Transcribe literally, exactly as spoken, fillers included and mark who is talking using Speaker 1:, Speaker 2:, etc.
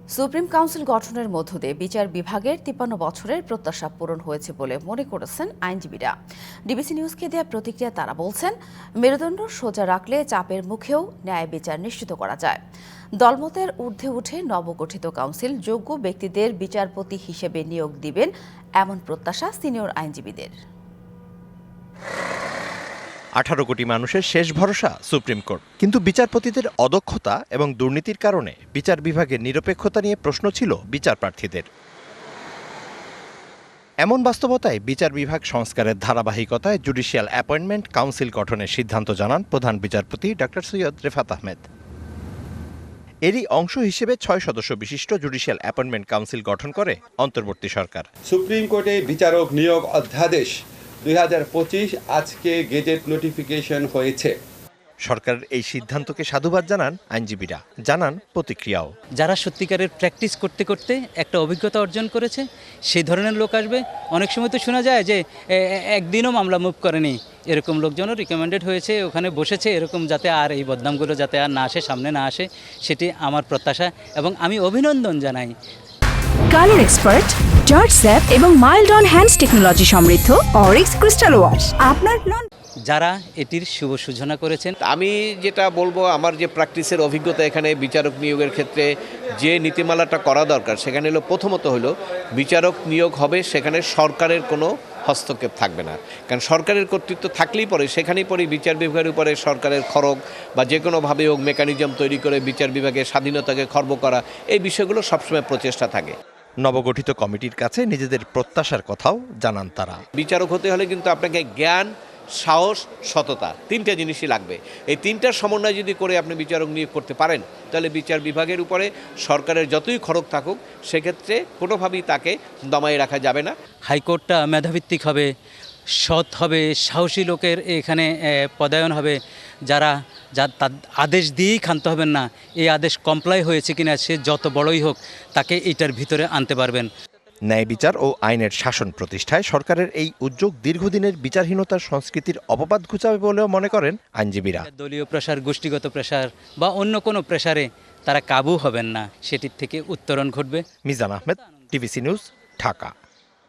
Speaker 1: Supreme council গঠনের মধ্য দিয়ে বিচার বিভাগের তিপ্পান্ন বছরের প্রত্যাশা পূরণ হয়েছে বলে মনে করেছেন আইনজীবীরা। ডিবিসি নিউজকে দেওয়া প্রতিক্রিয়া তারা বলছেন, মেরুদণ্ড সোজা রাখলে চাপের মুখেও ন্যায় বিচার নিশ্চিত করা যায়। দলমতের ঊর্ধ্বে উঠে নবগঠিত কাউন্সিল যোগ্য ব্যক্তিদের বিচারপতি হিসেবে নিয়োগ দিবেন এমন প্রত্যাশা সিনিয়র আইনজীবীদের।
Speaker 2: আঠারো কোটি মানুষের শেষ ভরসা সুপ্রিম কোর্ট, কিন্তু বিচারপতিদের অদক্ষতা এবং দুর্নীতির কারণে বিচার বিভাগের নিরপেক্ষতা নিয়ে প্রশ্ন ছিল বিচার প্রার্থীদের। এমন বাস্তবতায় বিচার বিভাগ সংস্কারের ধারাবাহিকতায় জুডিশিয়াল অ্যাপয়েন্টমেন্ট কাউন্সিল গঠনের সিদ্ধান্ত জানান প্রধান বিচারপতি ডক্টর সৈয়দ রেফাত আহমেদ। এরই অংশ হিসেবে ছয় সদস্য বিশিষ্ট জুডিশিয়াল অ্যাপয়েন্টমেন্ট কাউন্সিল গঠন করে অন্তর্বর্তী সরকার।
Speaker 3: সুপ্রিম কোর্টে বিচারক নিয়োগ অধ্যাদেশ দুই হাজার পঁচিশ আজকে গেজেট নোটিফিকেশন হয়েছে।
Speaker 2: সরকারের এই সিদ্ধান্তকে সাধুবাদ জানান আইনজীবীরা, জানান প্রতিক্রিয়াও।
Speaker 4: যারা সত্যিকারের প্র্যাকটিস করতে করতে একটা অভিজ্ঞতা অর্জন করেছে সেই ধরনের লোক আসবে। অনেক সময় তো শোনা যায় যে একদিনও মামলা মুভ করেনি, এরকম লোকজনও রিকমেন্ডেড হয়েছে, ওখানে বসেছে, এরকম যাতে আর এই বদনামগুলো যাতে আর না আসে, সামনে না আসে, সেটি আমার প্রত্যাশা এবং আমি অভিনন্দন জানাই।
Speaker 5: কালার এক্সপার্ট, জর্জ স্যাপ এবং মাইল্ড অন হ্যান্ডস টেকনোলজি সমৃদ্ধ অরিক্স ক্রিস্টাল ওয়াশ আপনার নন।
Speaker 4: যারা এটির শুভ সূচনা করেছেন,
Speaker 6: আমি যেটা বলবো, আমার যে প্র্যাকটিসের অভিজ্ঞতা এখানে বিচারক নিয়োগের ক্ষেত্রে যে নীতিমালাটা করা দরকার সেখানে হলো প্রথমত হলো বিচারক নিয়োগ হবে সেখানে সরকারের কোনো হস্তক্ষেপ থাকবে না। কারণ সরকারের কর্তৃত্ব থাকলেই পরে সেখানেই পরে বিচার বিভাগের উপরে সরকারের খড়গ বা যে কোনোভাবে হোক মেকানিজম তৈরি করে বিচার বিভাগের স্বাধীনতাকে খর্ব করা, এই বিষয়গুলো সবসময় প্রচেষ্টা থাকে।
Speaker 2: নবগঠিত কমিটির কাছে নিজেদের প্রত্যাশার কথাও জানান তারা।
Speaker 6: বিচারক হতে হলে কিন্তু আপনাকে জ্ঞান, সাহস, সততা, তিনটা জিনিসই লাগবে। এই তিনটার সমন্বয় যদি করে আপনি বিচারক নিয়োগ করতে পারেন তাহলে বিচার বিভাগের উপরে সরকারের যতই খড়গ থাকুক সেক্ষেত্রে কোনোভাবেই তাকে দমায়ে রাখা যাবে না।
Speaker 4: হাইকোর্টটা মেধাভিত্তিক হবে, সৎ হবে, সাহসী লোকের এখানে পদায়ন হবে, যারা যা তার আদেশ দিয়েই ক্ষান্ত হবেন না, এই আদেশ কমপ্লাই হয়েছে কিনা সে যত বড়ই হোক তাকে এটার ভিতরে আনতে পারবেন।
Speaker 2: ন্যায় বিচার ও আইনের শাসন প্রতিষ্ঠায় সরকারের এই উদ্যোগ দীর্ঘদিনের বিচারহীনতার সংস্কৃতির অপবাদ ঘুচাবে বলেও মনে করেন আইনজীবীরা।
Speaker 4: দলীয় প্রেসার, গোষ্ঠীগত প্রেসার বা অন্য কোনো প্রেসারে তারা কাবু হবেন না, সেটির থেকে উত্তরণ ঘটবে।
Speaker 2: Mizan Ahmed, DBC news, Dhaka.